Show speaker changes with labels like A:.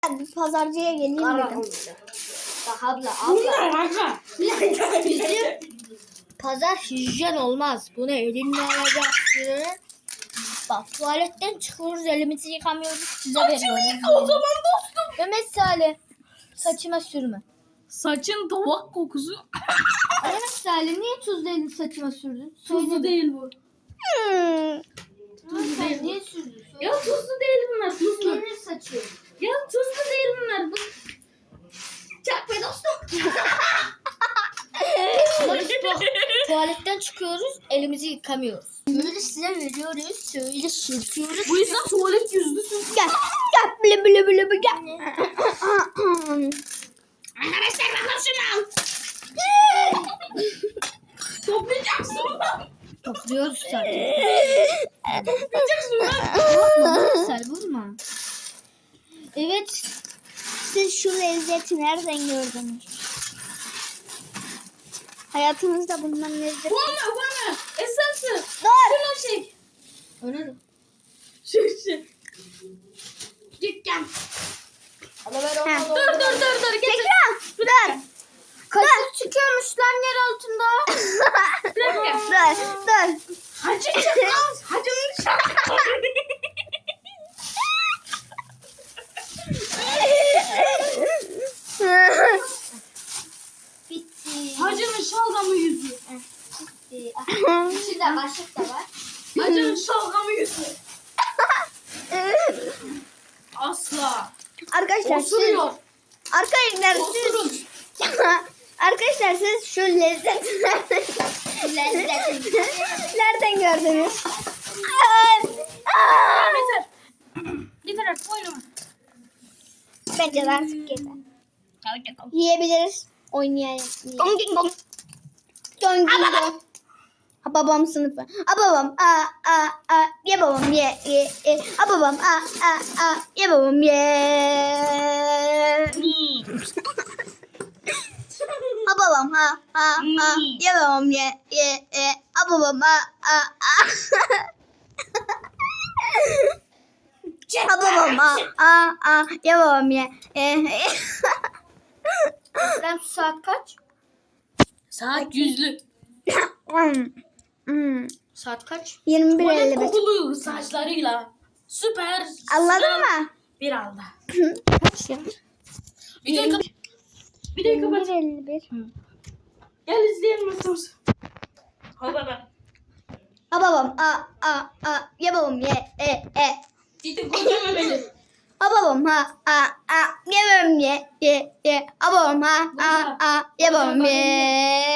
A: Pazarcıya geleyim dedim.
B: Abla.
A: Bizim pazar hijyen olmaz. Bunu elinle alacaksın. Bak tuvaletten çıkıyoruz, elimizi yıkamıyoruz, size veriyoruz.
B: O zaman dostum.
A: Mehmet Salih, saçıma sürme.
B: Saçın tavuk kokusu.
A: Mehmet Salih niye tuz değil saçıma sürdün?
B: Tuzlu değil bu.
A: Tuzlu
B: değil.
A: Niye sürdün?
B: Ya tuzlu değil bunlar. Tuzlu.
A: Gelir saçı.
B: Ya tuzlu değil bunlar. Bu... Çak be dostum.
A: Ama biz tuvaletten çıkıyoruz, elimizi yıkamıyoruz. Böyle size veriyoruz, şöyle sürtüyoruz.
B: Bu yüzden tuvalet yüzlüsün.
A: Gel, gel, bile bile gel.
B: Arkadaşlar bakın şunu al. Toplayacaksın lan.
A: Topluyoruz zaten.
B: Toplayacaksın lan.
A: Sen vurma. Evet. Siz şu lezzeti nereden gördünüz? Hayatınızda bundan lezzet...
B: Bana. Esensin.
A: Dur!
B: Şunu çek.
A: Öyle de.
B: Şu. Dükkan.
A: Dur.
B: Dur. Getir.
A: Tekrar. Dur. Kaşık çıkıyormuş lan yer altında. Dur.
B: Hacı çıkmaz. Hacının şarkı.
A: Bitti.
B: Hacının şalgamı yüzü.
A: Bitti. İçinde kaşık da var.
B: Hacının şalgamı yüzü. Asla.
A: Arkadaşlar
B: Osuruyor.
A: Arkadaşlar
B: Osurun.
A: Arkadaşlar siz şu lezzeti nereden gördünüz?
B: Yeter. Yeter artık oynama.
A: Bence de artık yeter. Yiyebiliriz. Oynayabiliriz. Dong ding dong. Dong ding dong. Ha babam sınıfı. Ha babam ye babam ye. Ha babam ye babam ye. Ha babam ye babam ye. Ha babam Ha babam ye babam ye. Sen saat kaç?
B: Saat yüzlü.
A: Saat kaç?
B: Tuvalet
A: 21.55.
B: kokulu saçlarıyla. Süper.
A: Anladın mı?
B: Bir anda.
A: Kaç ya?
B: Videoyu kapat. Videoyu kapat.
A: 21.51.
B: Gel izleyelim nasıl. Hadi baba.
A: Ha babam ye babam ye.
B: Ciddi konuşma beni.
A: Ha babam ye babam ye. Ha babam ye babam ye.